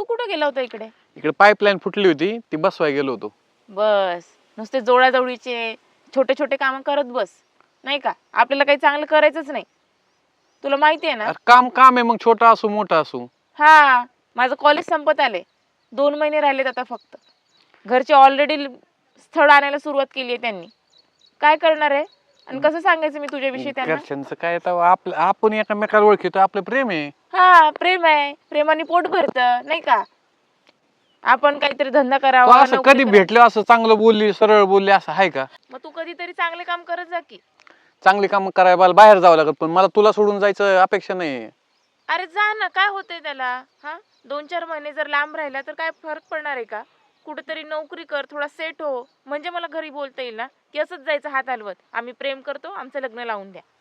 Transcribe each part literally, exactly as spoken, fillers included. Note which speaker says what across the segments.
Speaker 1: तू कुठं गेला होता इकडे?
Speaker 2: इकडे पाईपलाईन फुटली होती ती बसवाय गेलो होतो.
Speaker 1: बस नुसते जोडाजवळीचे छोटे छोटे काम करत बस, नाही का? आपल्याला काही चांगलं करायचंच नाही, तुला माहिती आहे ना.
Speaker 2: अरे काम काम आहे, मग छोटा असो मोठा असो.
Speaker 1: हा, माझं कॉलेज संपत आले, दोन महिने राहिलेत आता फक्त. घरचे ऑलरेडी स्थळ आणायला सुरुवात केली आहे त्यांनी. काय करणार आहे आणि कसं सांगायचं मी तुझ्याविषयी त्यांना?
Speaker 2: घरच्यांचं काय आता, आपलं आपण एकमेकाला ओळखीतो, आपलं प्रेम आहे.
Speaker 1: हा, प्रेम आहे, प्रेमाने पोट भरतं, नाही का? आपण काहीतरी धंदा
Speaker 2: तू
Speaker 1: करावा,
Speaker 2: असं
Speaker 1: नोकरी
Speaker 2: कधी
Speaker 1: करावी.
Speaker 2: भेटलं असं चांगलं बोलली सरळ बोलली असं आहे का?
Speaker 1: मग तू कधीतरी चांगले काम करत जा की.
Speaker 2: चांगली काम करायला मला बाहेर जावं लागत, पण मला तुला सोडून जायचं अपेक्षा नाही.
Speaker 1: अरे जा ना, काय होतंय त्याला? हा, दोन चार महिने जर लांब राहिला तर काय फरक पडणार आहे का? कुठेतरी नोकरी कर, थोडा सेट हो, म्हणजे मला घरी बोलता येईल ना की असंच जायचं हात हलवत, आम्ही प्रेम करतो, आमचं लग्न लावून द्या.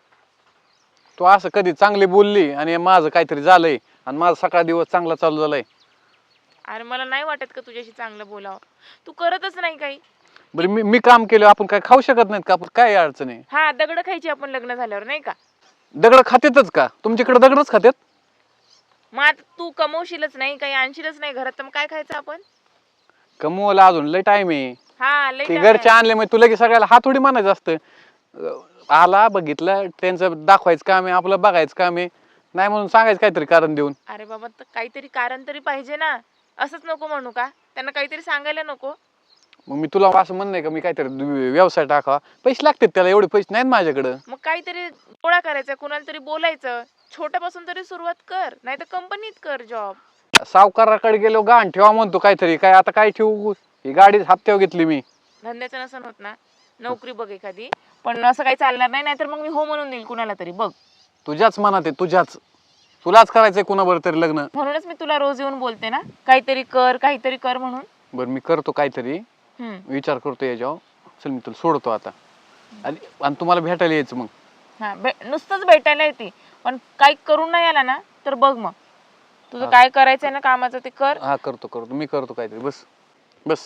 Speaker 2: तू असं कधी चांगली बोलली आणि माझं काहीतरी झालंय आणि माझा सकाळ दिवस चांगला चालू झालाय.
Speaker 1: अरे मला नाही वाटत का तुझ्याशी चांगलं बोलावं, तू करतच नाही काही.
Speaker 2: बरं मी मी काम केलं, आपण काय खाऊ शकत नाहीत का? आपण काय अडचण आहे?
Speaker 1: हा, दगड खायची आपण लग्न झाल्यावर, नाही का?
Speaker 2: दगड खातेतच का? तुमच्याकडे दगडच खात्यात?
Speaker 1: मग आता तू कमवशीलच नाही, काही आणशीलच नाही घरात, तर मग काय खायचं आपण?
Speaker 2: कमवायला अजून लय टाइम आहे.
Speaker 1: हा, लई
Speaker 2: ते
Speaker 1: time
Speaker 2: घरचे
Speaker 1: आहे.
Speaker 2: आणले मग तुला की सगळ्याला हात थोडी म्हणायचं असतं. अं, आला बघितलं त्यांचं दाखवायचं काम आहे, आपलं बघायचं काम आहे, नाही म्हणून सांगायचं काहीतरी कारण देऊन.
Speaker 1: अरे बाबा, तर काहीतरी कारण तरी पाहिजे ना, असंच नको म्हणू का? त्यांना काहीतरी सांगायला नको?
Speaker 2: मग मी तुला असं म्हणणं आहे का मी काहीतरी व्यवसाय टाकावा? पैसे लागतात त्याला, एवढे पैसे नाहीत माझ्याकडं.
Speaker 1: मग काहीतरी गोळा करायचा, कुणाला तरी बोलायचं, छोट्यापासून तरी सुरुवात कर, नाही तर कंपनीत कर जॉब.
Speaker 2: सावकाराकडे गेलो गाण ठेवा म्हणतो काहीतरी, काय आता काय ठेवू? ही गाडी हप्त्यावर घेतली मी.
Speaker 1: धंद्याचं नसन होत ना, नोकरी बघ एखादी. पण असं काही चालणार नाही, नाहीतर मग मी हो म्हणून देईल कुणाला तरी. बघ,
Speaker 2: तुझ्याच मनात आहे, तुझ्याच. तुलाच करायचंय कुणाबरोबर तरी लग्न.
Speaker 1: म्हणूनच मी तुला रोज येऊन बोलते ना, काहीतरी कर, काहीतरी कर म्हणून.
Speaker 2: बरं मी करतो काहीतरी,
Speaker 1: हम्म.
Speaker 2: विचार करतो याच्यावर. चल मी तुला सोडतो आता, आणि आणि तुम्हाला भेटायला यायचं मग.
Speaker 1: हा, भे नुसतंच भेटायला येते, पण काही करून नाही आला ना तर बघ मग तुझं
Speaker 2: हा.
Speaker 1: काय करायचंय ना कामाचं ते कर.
Speaker 2: हा करतो करतो मी करतो काहीतरी. बस बस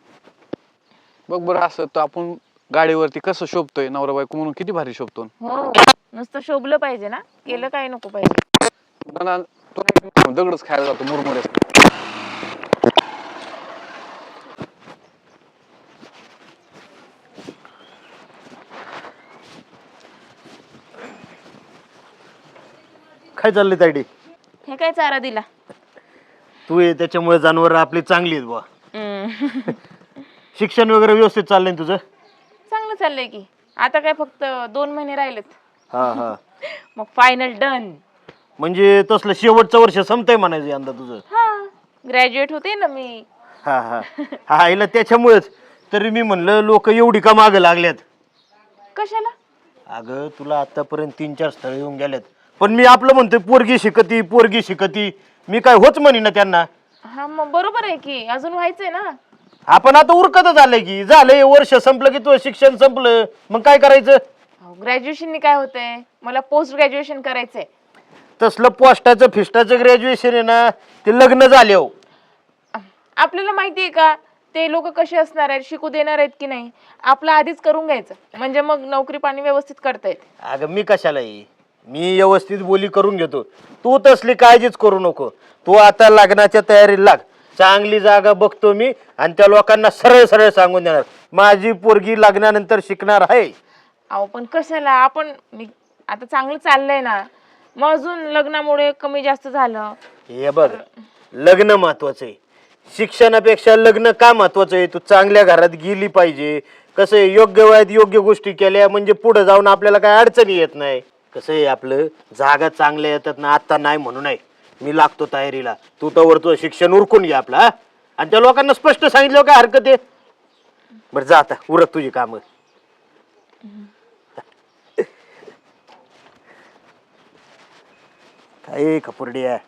Speaker 2: बघ बरं, असं तर आपण गाडीवरती कसं शोभतोय नवरा बायको म्हणून, किती भारी शोभतो.
Speaker 1: हो, नुसतं शोभलं पाहिजे ना, केलं काही नको पाहिजे.
Speaker 2: मला तो दगडच खायला जातो मुरमुरे.
Speaker 3: काय चाललंय तायडी?
Speaker 1: हे काय चारा दिला?
Speaker 3: तू ये त्याच्यामुळे जनावर आपली चांगली आहेत बुवा.
Speaker 1: हम्म.
Speaker 3: शिक्षण वगैरे व्यवस्थित चाललंय ना तुझं?
Speaker 1: चांगलं चाललंय की, आता काय फक्त दोन महिने राहिलेत,
Speaker 3: हा हा.
Speaker 1: मग फायनल डन.
Speaker 3: म्हणजे तसलं शेवटचं वर्ष संपतंय म्हणायचं यंदा तुझं?
Speaker 1: हा, ग्रॅज्युएट होते ना मी.
Speaker 3: हा हा हा आईला त्याच्यामुळेच तरी मी म्हणलं लोक एवढी का मागं लागल्यात.
Speaker 1: कशाला?
Speaker 3: अगं तुला आतापर्यंत तीन चार स्थळ येऊन गेल्यात, पण मी आपलं म्हणतोय पोरगी शिकती पोरगी शिकती, मी काय होच म्हणी ना त्यांना.
Speaker 1: हा, मग बरोबर आहे की, अजून व्हायचंय ना.
Speaker 3: आपण आता उरकतच आलंय की, झालंय वर्ष संपलं की तुझं शिक्षण संपलं, मग काय करायचं?
Speaker 1: ग्रॅज्युएशननी काय होतंय, मला पोस्ट ग्रॅज्युएशन करायचंय.
Speaker 3: तसलं पोस्टाचं फिस्टाचं ग्रॅज्युएशन आहे ना, ते लग्न झाले हो.
Speaker 1: आपल्याला माहिती आहे का ते लोक कसे असणार आहेत, शिकू देणार आहेत की नाही? आपलं आधीच करून घ्यायचं, म्हणजे मग नोकरी पाणी व्यवस्थित करता येते.
Speaker 3: अगं मी कशाला ये, मी व्यवस्थित बोली करून घेतो, तू तसली काळजीच करू नको. तू आता लग्नाच्या तयारीला लाग, चांगली जागा बघतो मी आणि त्या लोकांना सरळ सरळ सांगून देणार माझी पोरगी लग्नानंतर शिकणार आहे.
Speaker 1: अहो पण कशाला, आपण मी आता चांगलं चाललंय ना, मग अजून लग्नामुळे कमी जास्त झालं.
Speaker 3: हे बघ, लग्न महत्वाचं आहे, शिक्षणापेक्षा लग्न का महत्वाचं आहे? तू चांगल्या घरात गेली पाहिजे. कसं आहे, योग्य वयात योग्य गोष्टी केल्या म्हणजे पुढे जाऊन आपल्याला काय अडचणी येत नाही. कसं आहे, आपलं जागा चांगल्या येतात ना, आता नाही म्हणू नये, मी लागतो तयारीला, तू तवर तुझं शिक्षण उरकून घे आपला. हा, आणि त्या लोकांना स्पष्ट सांगितलं काय हरकत आहे? बरं जा आता, उरक तुझी कामं. काय खपुर्डी आहे.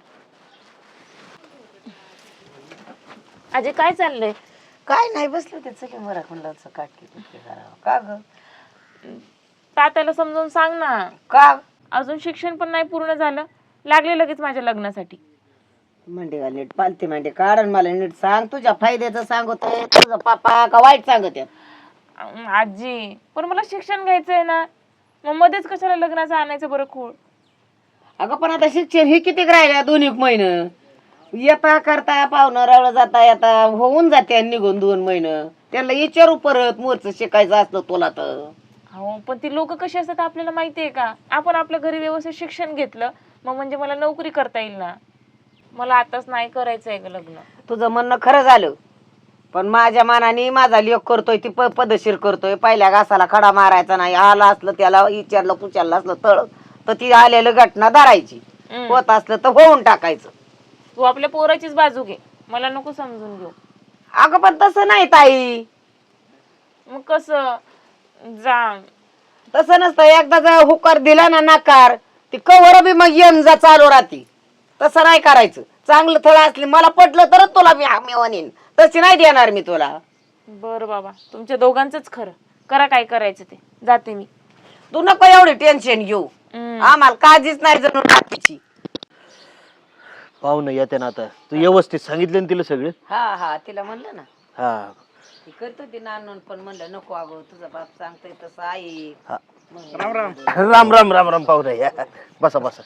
Speaker 1: अजय काय चाललंय?
Speaker 4: काय नाही, बसलं त्याचं की मरा म्हणलं काटकी कुटकी करावं का ग.
Speaker 1: तात्याला समजावून सांग ना.
Speaker 4: का
Speaker 1: अजून शिक्षण पण नाही पूर्ण झालं, लागले लगेच माझ्या लग्नासाठी.
Speaker 4: मांडे घाल नीट, पालती मांडे काढ आणि मला नीट सांग, तुझ्या फायद्याचं सांगतोय तुझा पापा का वाईट सांगत आहेत?
Speaker 1: अं, आजी पण मला शिक्षण घ्यायचंय ना, मग मध्येच कशाला लग्नाचं आणायचं बरं खूळ?
Speaker 4: अगं पण आता शिक्षण हे किती राहिल्या, दोन एक महिने येता करता पाहुणं रावळ जाता येता होऊन जाते निघून दोन महिने. त्यांना विचारू परत मोरचं शिकायचं असतं तुला तर.
Speaker 1: हो पण ती लोक कशी असतात आपल्याला माहिती आहे का? आपण आपल्या घरी व्यवस्थित शिक्षण घेतलं मग म्हणजे मला नोकरी करता येईल ना. मला आताच नाही करायचंय ग लग्न.
Speaker 4: तुझं म्हणणं खरं झालं, पण माझ्या मनाने माझा लेख करतोय ती प- पदशीर करतोय. पहिल्या घासाला खडा मारायचा नाही. आला असलं त्याला विचारलं कुचारलं असलं तळ तर ती आलेलं घटना धरायची.
Speaker 1: हम्म.
Speaker 4: होत असलं तर होऊन टाकायचं.
Speaker 1: तू आपल्या पोराचीच बाजू घे, मला नको समजून घेऊ.
Speaker 4: अगं पण तसं नाही ताई,
Speaker 1: मग कसं जा.
Speaker 4: तसं नसतं. एकदा जर हुकार दिला ना नकार, ती कवर बी मग येऊन जा चालू राहते. तसं नाही करायचं. चांगलं थळ असले मला पटलं तरच तुला मी मी म्हणेन, तशी नाही देणार मी तुला.
Speaker 1: बर बाबा तुमच्या दोघांचंच खरं. करा काय करायचं ते, जाते मी.
Speaker 4: तू नको एवढी टेन्शन घेऊ.
Speaker 1: हम्म.
Speaker 4: आम्हाला काळजीच नाही जणू टाकीची.
Speaker 3: पाहुणं येते ना आता. तू व्यवस्थित सांगितलं ना तिला सगळं?
Speaker 4: हा हा तिला म्हणलं ना
Speaker 3: हा
Speaker 4: ती करतो ती नानून, पण म्हणलं नको अगो तुझा बाप सांगतोय तसं आहे.
Speaker 3: हा.
Speaker 5: राम राम.
Speaker 3: राम राम राम राम पाहुणं या. बसा बसा.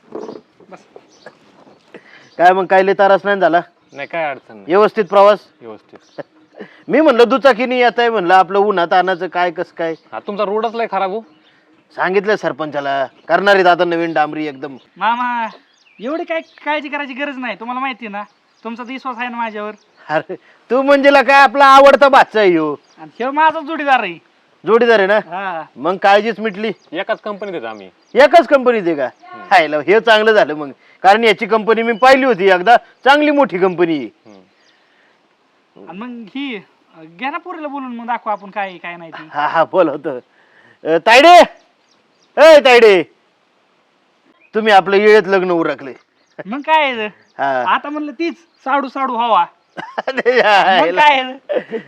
Speaker 3: काय मग काय लय त्रास नाही झाला?
Speaker 2: नाही काय अडचण नाही,
Speaker 3: व्यवस्थित प्रवास?
Speaker 2: व्यवस्थित.
Speaker 3: मी म्हणलं दुचाकीने येत आहे म्हणलं, आपलं उन्हात आणायचं काय कसं काय?
Speaker 2: हा तुमचा रोडच लय खराब हो.
Speaker 3: सांगितलं सरपंचाला, करणार आहेत आता नवीन डांबरी एकदम.
Speaker 5: मामा एवढी काय काळजी करायची गरज नाही. तुम्हाला माहिती ना तुमचा तर विश्वास आहे ना माझ्यावर.
Speaker 3: अरे तू म्हणजे ला काय आपला आवडता बादशाह आहे ह्यो.
Speaker 5: आणि हे माझा जोडीदार आहे.
Speaker 3: जोडीदार आहे ना,
Speaker 5: हा
Speaker 3: मग काळजीच मिटली.
Speaker 2: एकाच कंपनीत आहेत आम्ही.
Speaker 3: एकाच कंपनीत आहे का? हायला हे चांगलं झालं मग, कारण याची कंपनी मी पाहिली होती एकदा, चांगली मोठी कंपनी.
Speaker 5: आणि मग ही घ्या ना पोरीला बोलून, मग दाखवू आपण काय आहे, काय नाही ती.
Speaker 3: हा हा बोल होत. तायडे, ए तायडे, तुम्ही आपलं येळेत लग्न उरकले.
Speaker 5: मग काय आहे?
Speaker 3: हा.
Speaker 5: आता म्हणलं तीच साडू साडू हवा.
Speaker 3: अरे
Speaker 5: मग
Speaker 3: हायला.
Speaker 5: काय आहे?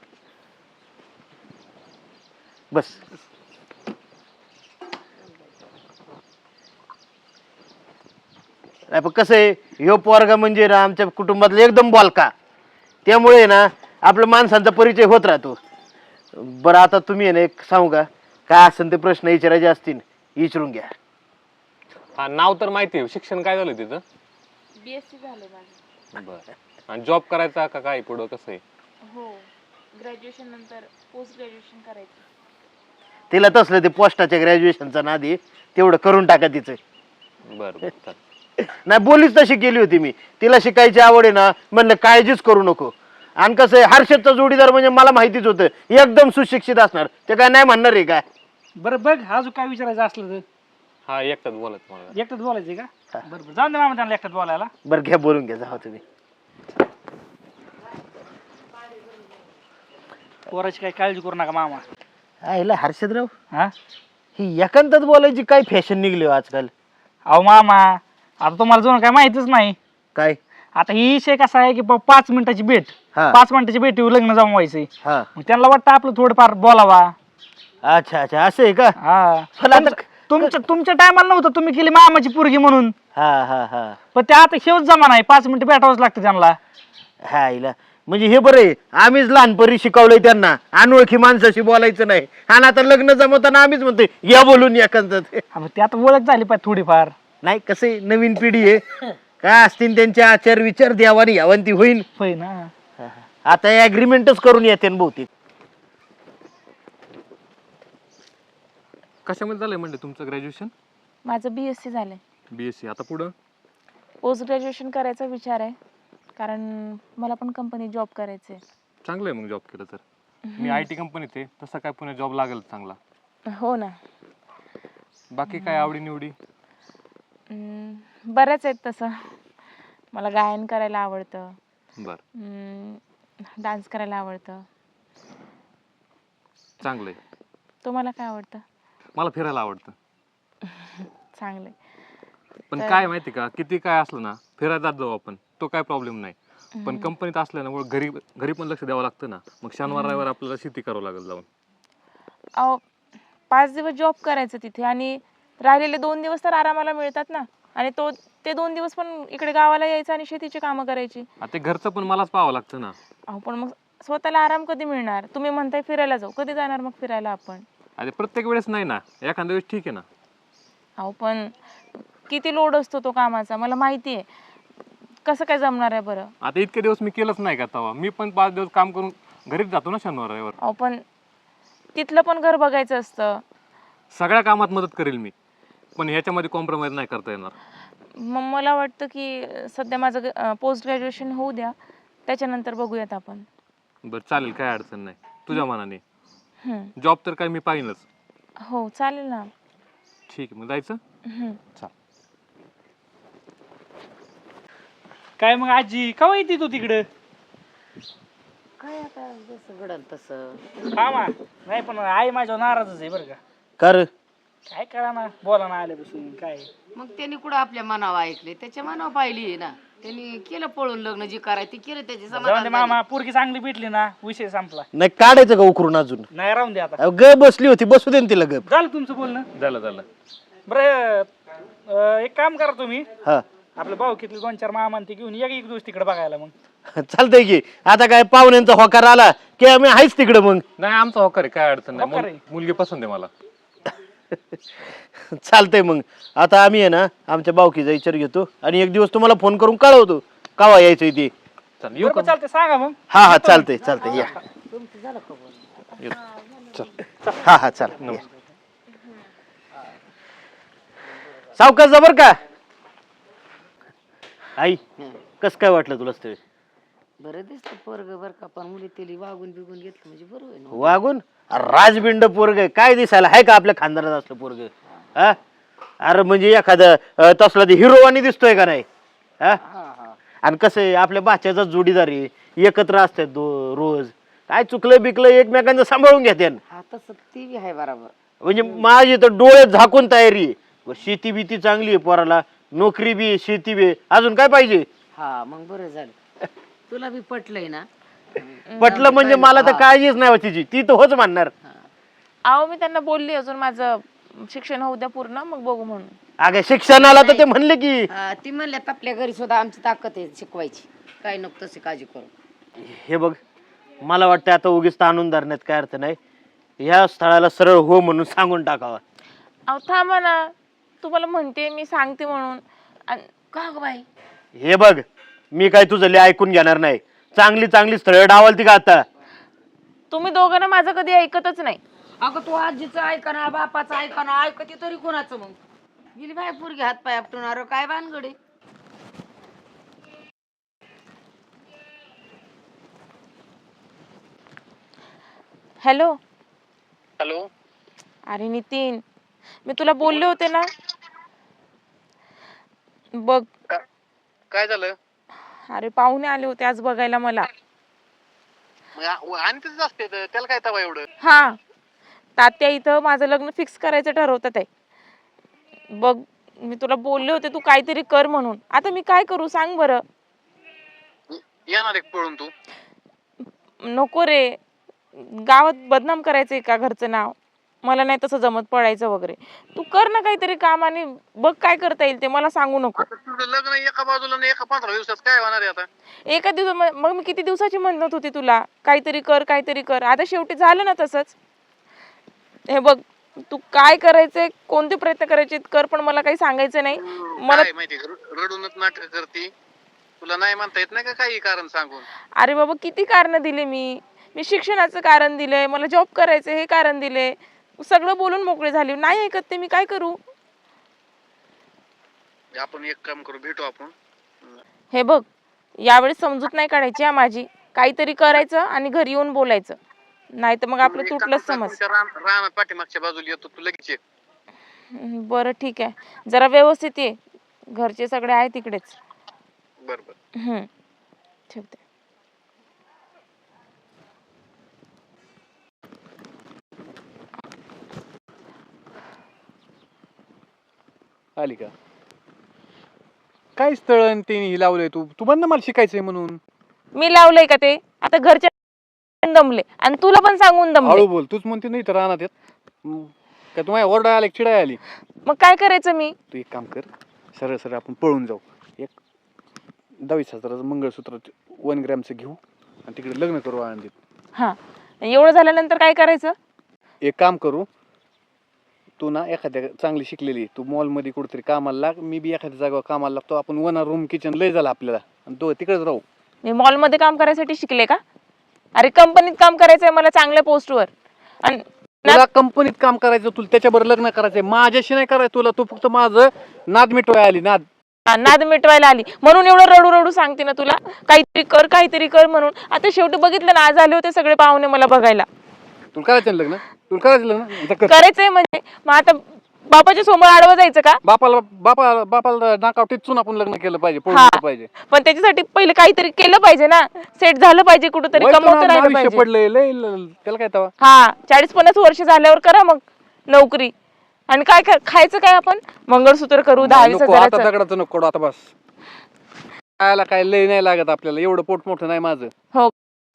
Speaker 3: बस. नाही पण कसं आहे, ह्यो पोरगा म्हणजे ना आमच्या कुटुंबातला एकदम बोलका, त्यामुळे ना आपल्या माणसांचा परिचय होत राहतो. बरं आता तुम्ही आहे ना एक सांगू का, काय असेल ते प्रश्न विचारायचे असतील विचारून घ्या.
Speaker 6: हा नाव तर माहिती आहे. शिक्षण काय झालं तिथं?
Speaker 1: बीएससी झाले माझं.
Speaker 6: बरं. आणि जॉब करायचा का काय पुढं कसं आहे?
Speaker 1: हो ग्रॅज्युएशन नंतर पोस्ट ग्रॅज्युएशन करायचं.
Speaker 3: तिला तसलं ते पोस्टाच्या ग्रॅज्युएशनचा नादी तेवढं करून टाका तिचं.
Speaker 6: बरं बरं चालेल.
Speaker 3: नाही बोलीच तशी केली होती मी, तिला शिकायची आवड आहे ना, म्हणलं काळजीच करू नको. आणि कसं आहे, हर्षदचा जोडीदार म्हणजे मला माहितीच होतं एकदम सुशिक्षित असणार, ते काय नाही म्हणणार आहे काय.
Speaker 5: बरं बघ अजून काय विचारायचं असलं तर.
Speaker 6: हा एकटाच बोलत मला.
Speaker 5: एकटाच बोलायचंय का? बरं बरं जाऊन दे मामा त्यांना एकटाच बोलायला.
Speaker 3: बरं घ्या बोलून घ्या, जावा तुम्ही.
Speaker 5: पोराची काही काळजी करू नका मामा.
Speaker 3: आईला हर्षदराव,
Speaker 5: हा
Speaker 3: ही एकांतात बोलायची काय फॅशन निघली हो आजकाल.
Speaker 5: अहो मामा आता तुम्हाला जुनं काय माहितीच नाही.
Speaker 3: काय?
Speaker 5: आता ही विषय कसा आहे की बा पाच मिनिटाची भेट,
Speaker 3: हा.
Speaker 5: पाच मिनिटाची भेटीवर लग्न जमवायचंय.
Speaker 3: हा.
Speaker 5: मग त्यांना वाटतं आपलं थोडंफार बोलावा.
Speaker 3: अच्छा अच्छा असं आहे का?
Speaker 5: हा
Speaker 3: पण आता-
Speaker 5: तुमच्या- तुमच्या तुमच्या टायमाला नव्हतं, तुम्ही केली मामाची पोरगी म्हणून.
Speaker 3: हा हा हा
Speaker 5: पण ते आता शेवट जमा नाही, पाच मिनिटं भेटावंच लागतं त्यांना.
Speaker 3: हा आईला म्हणजे हे बरं आहे, आम्हीच लहानपणी शिकवलंय त्यांना अनोळखी माणसाशी बोलायचं नाही, आणि आता लग्न जमवताना आम्हीच म्हणतोय या बोलून एकांतात.
Speaker 5: हा, मग ते आता ओळख झाली पाहिजे थोडीफार.
Speaker 3: नाही कसं आहे, नवीन पिढी आहे, काय असतील त्यांचे आचार विचार द्यावानी यावंती होईल.
Speaker 5: होय ना.
Speaker 3: आता ऍग्रीमेंटच करून येते ना बहुतेक.
Speaker 6: कशामध्ये झालंय म्हणजे तुमचं ग्रॅज्युएशन?
Speaker 1: माझं बीएससी झालंय.
Speaker 6: बीएससी. आता पुढं?
Speaker 1: पोस्ट ग्रॅज्युएशन करायचा विचार आहे, कारण मला पण कंपनीत जॉब करायचं आहे.
Speaker 6: चांगलं आहे मग जॉब केलं तर. मी आय टी कंपनीत आहे, तसं काय पुण्यात जॉब लागेल चांगला.
Speaker 1: हो ना.
Speaker 6: बाकी काय आवडी निवडी?
Speaker 1: हम्म, बऱ्याच आहेत तसं. मला गायन करायला आवडतं,
Speaker 6: बरं
Speaker 1: डान्स करायला आवडतं.
Speaker 6: चांगलं आहे.
Speaker 1: तुम्हाला काय आवडतं?
Speaker 6: मला फिरायला आवडतं.
Speaker 1: चांगलं आहे.
Speaker 6: पण
Speaker 1: तर-
Speaker 6: काय माहिती का, किती काय असलं ना फिरायला जात जाऊ आपण, तो काय प्रॉब्लेम नाही. पण कंपनीत असल्यामुळे घरी घरी पण लक्ष द्यावं लागतं ना. मग शनिवार रविवार आपल्याला शेती करावं लागेल जाऊन.
Speaker 1: अहो पाच दिवस जॉब करायचं तिथे, आणि राहिलेले दोन दिवस तर आरामाला मिळतात ना. आणि तो ते दोन दिवस पण इकडे गावाला यायचं आणि शेतीची कामं करायची.
Speaker 6: आता ते घरचं पण मलाच पाहावं लागतं ना.
Speaker 1: अहो पण मग स्वतःला आराम कधी मिळणार? तुम्ही म्हणताय फिरायला जाऊ, कधी जाणार मग फिरायला आपण?
Speaker 6: अरे प्रत्येक वेळेस नाही ना, एखाद्या वेळेस ठीक आहे ना.
Speaker 1: अहो पण किती लोड असतो तो कामाचा, मला माहिती आहे. कसं काय जमणार आहे बरं?
Speaker 6: आता इतके दिवस मी केलंच नाही का तेव्हा मी पण पाच दिवस काम करून घरीच जातो ना शनिवार रविवार.
Speaker 1: अहो पण तिथलं पण घर बघायचं असतं.
Speaker 6: सगळ्या कामात मदत करेल मी, पण ह्याच्यामध्ये कॉम्प्रोमाइज नाही करता येणार.
Speaker 1: मग मला वाटतं की सध्या माझं पोस्ट ग्रॅज्युएशन होऊ द्या, त्याच्यानंतर बघूयात आपण.
Speaker 6: बरं चालेल, काय अडचण नाही, तुझ्या मनाने.
Speaker 1: हम्म.
Speaker 6: जॉब तर काय मी पाहिनच.
Speaker 1: हो चालेल ना.
Speaker 6: ठीक आहे, मग जायचं.
Speaker 1: हम्म.
Speaker 5: काय मग आजी कवा येते तू तिकडं?
Speaker 4: काय आता जसं घडल तसं.
Speaker 5: हा मा नाही, पण आई माझ्यावर नाराजच आहे बरं का.
Speaker 3: कर
Speaker 5: काय करा ना, बोला ना आल्यापासून काय.
Speaker 4: मग त्यांनी कुठं आपल्या मनावर ऐकले, त्याच्या मनावर पाहिली आहे ना. त्यांनी केलं पळून लग्न, जे करायचं ते केलं, त्याचे
Speaker 5: जाऊन
Speaker 4: समाधान
Speaker 5: दे
Speaker 4: झाले.
Speaker 5: मामा, पोरगी चांगली भेटली ना, विषय संपला.
Speaker 3: नाही काढायचं का उकरून अजून?
Speaker 5: नाही राहून दे आता.
Speaker 3: अहो, ग बसली होती, बसू दे ना तिला गप.
Speaker 5: झालं तुमचं बोलणं?
Speaker 6: झालं झालं.
Speaker 5: बरं अं, एक काम करा तुम्ही,
Speaker 3: हा
Speaker 5: आपलं भाऊ किती दोन चार मामा ते घेऊन या की एक दिवस तिकडे बघायला. मग
Speaker 3: चालतंय की, आता काय पाहुण्यांचा होकार आला की आम्ही आहेच तिकडे. मग
Speaker 6: नाही आमचा होकार आहे, काय अडचण नाही.
Speaker 5: होकार आहे.
Speaker 6: मुल- मुलगी पसंत आहे मला.
Speaker 3: चालतंय. मग आता आम्ही आहे ना आमच्या बावकीचा विचार घेतो आणि एक दिवस तुम्हाला फोन करून कळवतो कावा यायचं ते.
Speaker 6: चालेल, येऊ
Speaker 5: बरं,
Speaker 6: का?
Speaker 5: बरं, चालतंय, सांगा मग.
Speaker 3: हा हा चालतंय चालतंय या. हा हा चाल. सावकाश जा बर का. आई कस काय वाटलं तुला स्थळ?
Speaker 4: बरं दिसतं पोरग बर का, पण मुली तेली वागून बिगून घेतलं म्हणजे बरोबर आहे ना.
Speaker 3: वागून राजबिंड पोरग काय दिसायला आहे का आपल्या खानदारात असलं पोरग? हा अरे म्हणजे एखादं अं, तसला ते हिरोवानी दिसतोय का नाही? हा आणि कसं आहे आपल्या बाच्याचा जोडीदार आहे, एकत्र असतात दो रोज. काय चुकलं बिकलं एकमेकांचं सांभाळून घेते.
Speaker 4: हा तसं ती बी आहे बरोबर.
Speaker 3: म्हणजे माझी तर डोळे झाकून तयारी आहे. शेती बीती चांगली आहे पोराला, नोकरी बी आहे, शेती बी आहे. अजून काय पाहिजे?
Speaker 4: हा मग बरं झालं, तुला बी पटलंय ना.
Speaker 3: पटलं म्हणजे मला तर काळजीच नाही तिची, ती तर होच म्हणणार.
Speaker 1: अहो मी त्यांना बोलली अजून माझं शिक्षण होऊ द्या पूर्ण, मग बघू म्हणून.
Speaker 3: अगं शिक्षणाला तर ते म्हणले की.
Speaker 4: हा, ती म्हणल्यात आपल्या घरी सुद्धा आमची ताकद आहे शिकवायची, काय नको तशी काळजी करू.
Speaker 3: हे बघ मला वाटतं आता उगीच ताणून धरण्यात काय अर्थ नाही. ह्या स्थळाला सरळ हो म्हणून सांगून टाकावा.
Speaker 1: अहो थांबा ना, तुम्हाला म्हणते मी सांगते म्हणून. आणि
Speaker 4: का ग बाई?
Speaker 3: हे बघ मी काय तुझं लय ऐकून घेणार नाही. चांगली चांगली स्थळ डावलती का आता?
Speaker 1: तुम्ही दोघांना माझं कधी ऐकतच नाही.
Speaker 4: अगं तू आजीचं ऐका ना, बापाचं ऐका ना, ऐकते तरी कोणाचं? मग गेली बाय पोरगी हात पाय आपटून, काय भानगडे?
Speaker 1: हॅलो.
Speaker 2: हॅलो.
Speaker 1: अरे नितीन, मी तुला बोलले होते ना बघ.
Speaker 2: काय झालं?
Speaker 1: अरे पाहुणे आले होते आज बघायला मला.
Speaker 2: आणि तिथंच असते त्याला काय तवा एवढं?
Speaker 1: हा, तात्या इथं माझं लग्न फिक्स करायचं ठरवतात आहे. बघ मी तुला बोलले होते तू काहीतरी कर म्हणून. आता मी काय करू सांग बरं?
Speaker 2: येणार एक पळून तू?
Speaker 1: नको रे, गावात बदनाम करायचंय का घरचं नाव? मला नाही तसं जमत पडायचं वगैरे. तू कर ना काहीतरी काम आणि बघ काय करता येईल ते, मला सांगू नको.
Speaker 2: तुझं लग्न एका बाजूला आणि एका पंधरा दिवसात काय होणार आहे आता?
Speaker 1: एका दिवसा मग मी किती दिवसाची म्हणत होती तुला काहीतरी कर काहीतरी कर, आता शेवटी झालं ना तसंच. हे बघ तू काय करायचंय, कोणते प्रयत्न करायचे कर, पण मला काही सांगायचं नाही. मला
Speaker 2: काय माहिती रडूनच नाटक करती. तुला नाही म्हणता येत नाही का काही कारण सांगून?
Speaker 1: अरे बाबा किती कारण दिले मी. मी शिक्षणाचं कारण दिलंय, मला जॉब करायचं हे कारण दिले, सगळं बोलून मोकळे झाले. नाही ऐकत ते, मी काय करू?
Speaker 2: आपण एक काम करू, भेटू आपण.
Speaker 1: हे बघ यावेळी समजूत नाही काढायची हा माझी. काहीतरी करायचं आणि घरी येऊन बोलायचं, नाही तर मग आपलं तुटलंच समज.
Speaker 2: राणा पाठीमागच्या बाजूला येतो तू लगेच ये.
Speaker 1: हम्म, बरं ठीक आहे, जरा व्यवस्थित ये. घरचे सगळे आहे तिकडेच.
Speaker 2: बरं बरं.
Speaker 1: हम्म, ठेवते.
Speaker 2: आली का? काय स्थळ आणि ते हे लावलंय तू? तू म्हणणं मला शिकायचंय म्हणून.
Speaker 1: मी लावलंय का ते? आता घरचे दमले आणि तुला पण सांगून दमले.
Speaker 2: हळू बोल, तूच म्हणते नाही तर राहणार येत का? तुम्हाला ओरडा आली चिडाय आली?
Speaker 1: मग काय करायचं मी?
Speaker 2: तू एक काम कर, सरळ सरळ आपण पळून जाऊ. एक दहावीस हजाराचं मंगळसूत्र वन ग्रॅमचं घेऊ आणि तिकडे लग्न करू आनंदीत.
Speaker 1: हा, एवढं झाल्यानंतर काय करायचं?
Speaker 2: एक काम करू, तू ना एखाद्या चांगली शिकलेली, तू मॉलमध्ये कुठेतरी कामाला लाग, मी बी एखाद्या जागेवर कामाला लागतो. आपण वन रूम किचन लय झालं आपल्याला. आणि तो तिकडेच राहू.
Speaker 1: मी मॉलमध्ये काम करायसाठी शिकले का? अरे कंपनीत काम करायचंय मला, चांगल्या पोस्टवर. आणि
Speaker 2: तुला कंपनीत काम करायचं, तुला त्याच्याबरोबर लग्न करायचंय, माझ्याशी नाही करायचं तुला. तू फक्त माझं नाद मिटवाय आली, नाद.
Speaker 1: हा, नाद मिटवायला आली म्हणून एवढं रडू रडू सांगते ना तुला, काहीतरी कर काहीतरी कर म्हणून. आता शेवटी बघितलं ना, आज आले होते सगळे पाहुणे मला बघायला.
Speaker 2: तुला करायचं ना लग्न? तुला करायचं लग्न? आता कर.
Speaker 1: करायचंय म्हणजे मग आता बापाच्या समोर आडवं जायचं का?
Speaker 2: बापाला बापा बापाला नाकाव टिचून आपण लग्न केलं पाहिजे, पळून
Speaker 1: हा.
Speaker 2: गेलं पाहिजे.
Speaker 1: पण त्याच्यासाठी पहिले काहीतरी केलं पाहिजे ना, सेट झालं पाहिजे, कुठेतरी
Speaker 2: वय
Speaker 1: कमवत
Speaker 2: तुला
Speaker 1: राहिलं
Speaker 2: आयुष्य
Speaker 1: पाहिजे.
Speaker 2: पडलंय लय ल- त्याला काय तवा.
Speaker 1: हा, चाळीस पन्नास वर्ष झाल्यावर करा मग नोकरी. आणि काय काय- खायचं काय आपण? मंगळसूत्र करू दहा वीस
Speaker 2: नको आता
Speaker 1: हजाराचं.
Speaker 2: दगडाचं नको करू, आता बस. खायला काय लय नाही लागत आपल्याला, एवढं पोट मोठं नाही माझं.
Speaker 1: हो,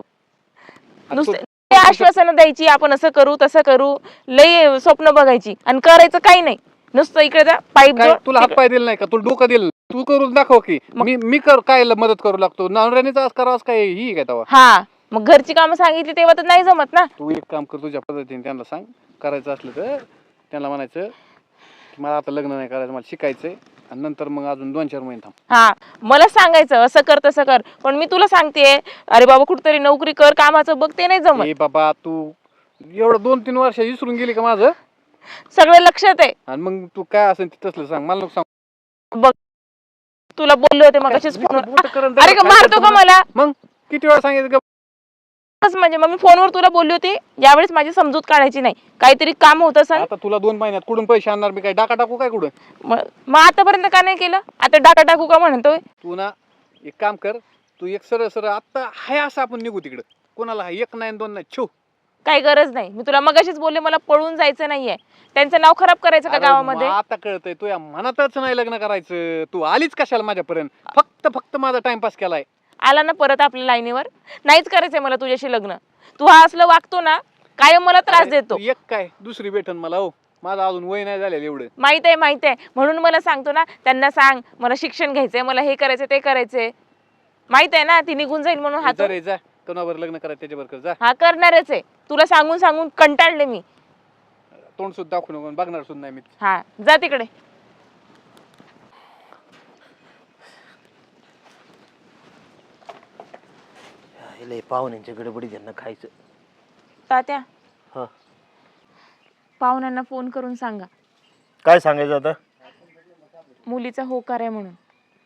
Speaker 2: आता
Speaker 1: नुसते
Speaker 2: तू-
Speaker 1: ते आश्वासनं द्यायची, आपण असं करू तसं करू, लय स्वप्न बघायची आणि करायचं काही नाही. नुसतं इकडे जा, पाईप
Speaker 2: काय
Speaker 1: जोड,
Speaker 2: तुला हात
Speaker 1: तिकडे-
Speaker 2: पाय दिलं नाही का? तुला डोकं दिलं? तू करून दाखव की. मी मी कर काय मदत करू लागतो? नवऱ्यानेच आज करावं काय ही काय तवा?
Speaker 1: हा, मग घरची कामं सांगितली तेव्हा तर नाही जमत ना.
Speaker 2: तू एक काम कर, तुझ्या पद्धतीने त्यांना सांग. करायचं असलं तर त्यांना म्हणायचं की मला आता लग्न नाही करायचं, मला शिकायचंय, आणि नंतर मग अजून दोन चार महिने थांब.
Speaker 1: हा, मला सांगायचं असं कर तसं कर, पण मी तुला सांगते, अरे बाबा कुठतरी नोकरी कर, कामाचं बघ, ते नाही जमत.
Speaker 2: ए बाबा, तू एवढं दोन तीन वर्ष विसरून गेली का माझं?
Speaker 1: सगळं लक्षात आहे.
Speaker 2: आणि मग तू काय असेल ते तसलं सांग, मला नको सांग.
Speaker 1: बघ, तुला बोलले होते मग असेच फोनवर.
Speaker 2: बोटं करून
Speaker 1: अरे का
Speaker 2: काय
Speaker 1: मारतो का
Speaker 2: करतो
Speaker 1: मला?
Speaker 2: मग किती वेळा सांगितलं का?
Speaker 1: असं म्हणजे मग मी फोनवर तुला बोलली होती, यावेळेस माझी समजूत काढायची नाही. काहीतरी काम होत असेल,
Speaker 2: आता तुला दोन महिन्यात कुठून पैसे आणणार? मी काय डाका टाकू काय कुठं?
Speaker 1: मग मग आतापर्यंत का नाही केलं? आता डाटा टाकू का म्हणतोय?
Speaker 2: तू ना एक काम कर, तू एक सरळ सरळ आता हाय असं आपण निघू तिकडं. कोणाला हाय? एक नाही आणि दोन नाही, छो.
Speaker 1: काही गरज नाही. मी तुला मगाशीच बोलले, मला पळून जायचं नाहीये. त्यांचं नाव खराब करायचं का
Speaker 2: अरे
Speaker 1: गावामध्ये?
Speaker 2: मग आता कळतंय तुझ्या मनातच नाही लग्न करायचं. तू आलीच कशाला माझ्यापर्यंत? फक्त फक्त माझा टाइमपास केलाय.
Speaker 1: आला ना परत आपल्या लाईनीवर. नाहीच करायचंय मला तुझ्याशी लग्न. तू हा असलं वागतो ना, कायम मला त्रास
Speaker 2: अरे,
Speaker 1: देतो.
Speaker 2: तू एक काय दुसरी भेटन मला. हो, माझं अजून वय नाही झालेलं एवढं.
Speaker 1: माहित आहे माहित आहे, म्हणून मला सांगतो ना, त्यांना सांग मला शिक्षण घ्यायचंय, मला हे करायचंय ते करायचंय. माहित आहे ना, ती निघून जाईल म्हणून
Speaker 2: जा
Speaker 1: हात
Speaker 2: रे, जा कोणावर लग्न करायचं त्याच्यावर कर, जा.
Speaker 1: हा करणारच आहे. तुला सांगून सांगून कंटाळले मी.
Speaker 2: तोंड सुद्धा दाखवू नको, बघणार सुद्धा नाही मी.
Speaker 1: हा, जा तिकडे.
Speaker 3: लय पाहुण्यांच्या गडबडीत यांना खायचं.
Speaker 1: तात्या,
Speaker 3: हा,
Speaker 1: पाहुण्यांना फोन करून सांगा
Speaker 3: काय सांगायचं आता?
Speaker 1: मुलीचा होकार आहे म्हणून.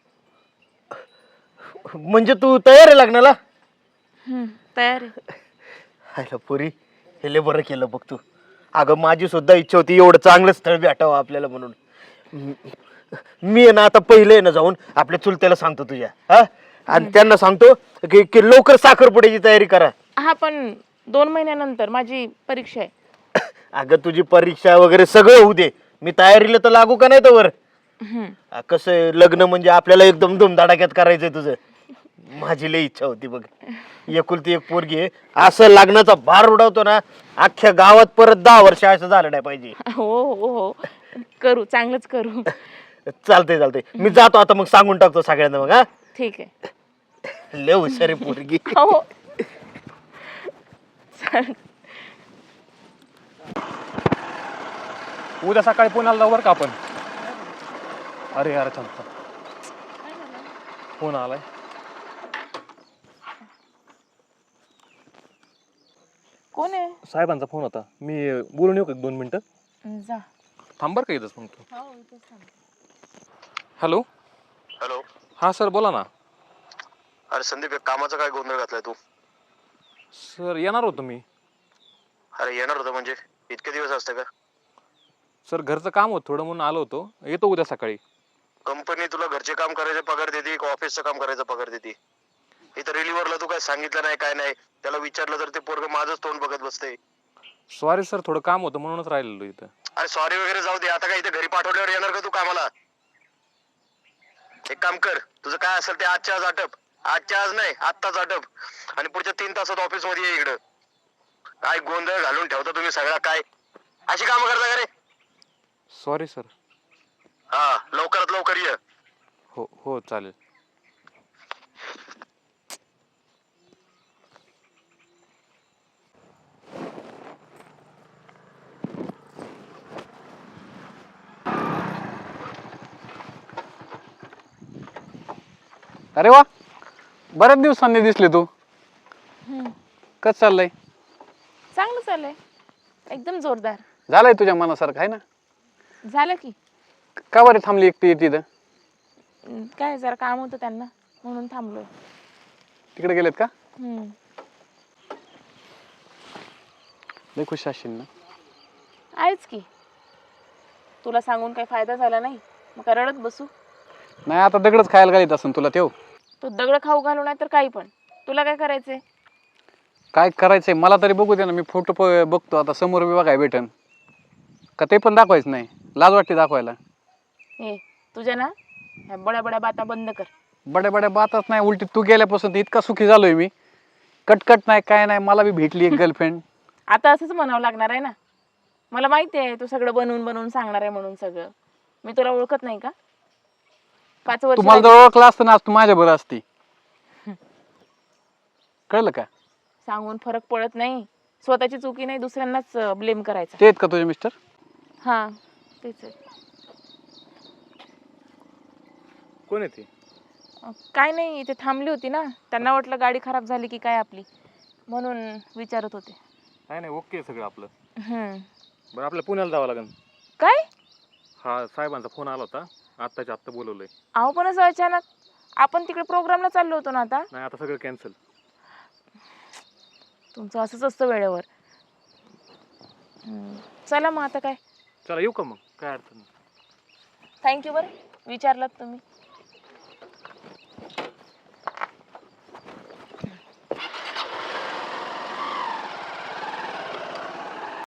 Speaker 3: म्हणजे तू तयार आहे लग्नाला?
Speaker 1: हम्म, तयार आहे.
Speaker 3: हायला पुरी, हे लय बरं केलं बघ तू. अगं माझी सुद्धा इच्छा होती एवढं चांगलं स्थळ भेटावं आपल्याला म्हणून. मी आहे ना आता पहिले आहे ना जाऊन आपल्या चुलत्याला सांगतो तुझ्या, हा, आणि त्यांना सांगतो की की लवकर साखरपुड्याची तयारी करा.
Speaker 1: हा, पण दोन महिन्यानंतर माझी परीक्षा आहे.
Speaker 3: अगं तुझी परीक्षा वगैरे सगळं होऊ दे, मी तयारीला तर लागू का नाही तर.
Speaker 1: हम्म.
Speaker 3: कसं आहे, लग्न म्हणजे आपल्याला एकदम धुमधडाक्यात करायचंय तुझं. माझी लय इच्छा होती बघ. एकुलती एक पोरगी आहे, असं लग्नाचा भार उडवतो ना, अख्ख्या गावात परत दहा वर्ष असं झालं नाही पाहिजे.
Speaker 1: हो हो हो, करू, चांगलंच करू.
Speaker 3: चालतंय चालतंय, मी जातो आता, मग सांगून टाकतो सगळ्यांना मग. हा,
Speaker 1: ठीक आहे.
Speaker 3: लय हुशार आहे पोरगी.
Speaker 1: हो. चालेल.
Speaker 6: उद्या सकाळी पुण्याला जाऊ बरं का आपण. अरे यार, थांब थांब. फोन आलाय.
Speaker 1: कोण आहे?
Speaker 6: साहेबांचा फोन होता. मी बोलून येऊ का एक दोन मिनिटं?
Speaker 1: जा.
Speaker 6: थांब बरं का इथंच मग तू. हॅलो.
Speaker 7: हॅलो.
Speaker 6: हां सर, बोला ना.
Speaker 7: अरे संदीप, एक कामाचा काय गोंधळ घातलाय तू?
Speaker 6: सर येणार होतो मी.
Speaker 7: अरे येणार होतं म्हणजे इतके दिवस असते का?
Speaker 6: सर घरचं काम होतं थोडं म्हणून आलो होतो. येतो उद्या सकाळी.
Speaker 7: कंपनी तुला घरचे काम करायचे पगार देते का ऑफिसचं काम करायचं पगार देते? इथं रिलीव्हरला तू काय सांगितलं नाही, काय नाही. त्याला विचारलं तर ते पोरग माझंच तोंड बघत बसते.
Speaker 6: सॉरी सर, थोडं काम होतं म्हणूनच राहिलेलो इथं.
Speaker 7: अरे सॉरी वगैरे जाऊ दे, आता काय इथे घरी पाठवल्यावर येणार का तू कामाला? एक काम कर, तुझं काय असेल ते आजच्या आज आटप. आजच्या आज नाही, आत्ताच आटप. आणि पुढच्या तीन तासात ऑफिस मध्ये ये इकडं. काय गोंधळ घालून ठेवता तुम्ही सगळा, काय अशी कामं करता का रे?
Speaker 6: Sorry sir.
Speaker 7: हा, लवकरात लवकर ये.
Speaker 6: हो हो, चालेल.
Speaker 2: अरे वा, बऱ्याच दिवसांनी दिसले तू.
Speaker 1: हम्म.
Speaker 2: कसं चाललंय?
Speaker 1: चांगलं चाललंय एकदम जोरदार.
Speaker 2: झालंय तुझ्या मनासारखं आहे ना?
Speaker 1: झालं की.
Speaker 2: का बरं थांबली एकटी तिथं?
Speaker 1: अं, काय जरा काम होतं त्यांना म्हणून थांबलोय.
Speaker 2: तिकडे गेलेत का?
Speaker 1: हम्म.
Speaker 2: लय खुश असशील ना?
Speaker 1: आहेच की. तुला सांगून काही फायदा झाला नाही मग काय रडत बसू?
Speaker 2: नाही आता दगडच खायला घालीत असेल तुला तेव.
Speaker 1: तो दगड खाऊ घालू नाही तर काही पण. तुला काय करायचंय?
Speaker 2: काय करायचंय मला तरी बघू दे ना. मी फोटो बघतो आता समोर बी बघाय भेटन का ते पण दाखवायचं नाही? लाज वाटते दाखवायला.
Speaker 1: ए तुझ्या ना ह्या बड्या बड्या बाता बंद कर.
Speaker 2: बड्या बड्या बातच नाही, उलटी तू गेल्यापासून तर इतका सुखी झालोय मी. कटकट नाही काय नाही. मला बी भेटली एक गर्लफ्रेंड.
Speaker 1: आता असंच म्हणावं लागणार आहे ना. मला माहिती आहे तू सगळं बनवून बनवून सांगणार आहे म्हणून. सगळं मी तुला ओळखत नाही का? पाच वर्ष
Speaker 2: तुम्हाला जर ओळखलं असतं ना आज तू माझ्या बरं असती. कळलं का?
Speaker 1: सांगून फरक पडत नाही. स्वतःची चुकी नाही दुसऱ्यांनाच ब्लेम करायचा.
Speaker 2: ते आहेत का तुझे मिस्टर?
Speaker 1: हा तेच आहे.
Speaker 6: कोण आहे ते?
Speaker 1: अं, काय नाही इथे थांबली होती ना. त्यांना वाटलं गाडी खराब झाली की काय आपली म्हणून विचारत होते.
Speaker 6: नाही नाही ओके सगळं आपलं.
Speaker 1: हम्म.
Speaker 6: बरं आपल्याला पुण्याला जावं लागेल.
Speaker 1: काय?
Speaker 6: हा साहेबांचा फोन आला होता. आत्ताच्या आत्ता बोलवलंय.
Speaker 1: अहो पण असं अचानक. आपण तिकडे प्रोग्रामला चाललो होतो ना आता.
Speaker 6: नाही आता सगळं कॅन्सल.
Speaker 1: तुमचं असंच असतं वेळेवर. हम्म. चला मग आता काय.
Speaker 6: चला येऊ का मग? काय अडचण नाही.
Speaker 1: थँक्यू बरं विचारलात तुम्ही.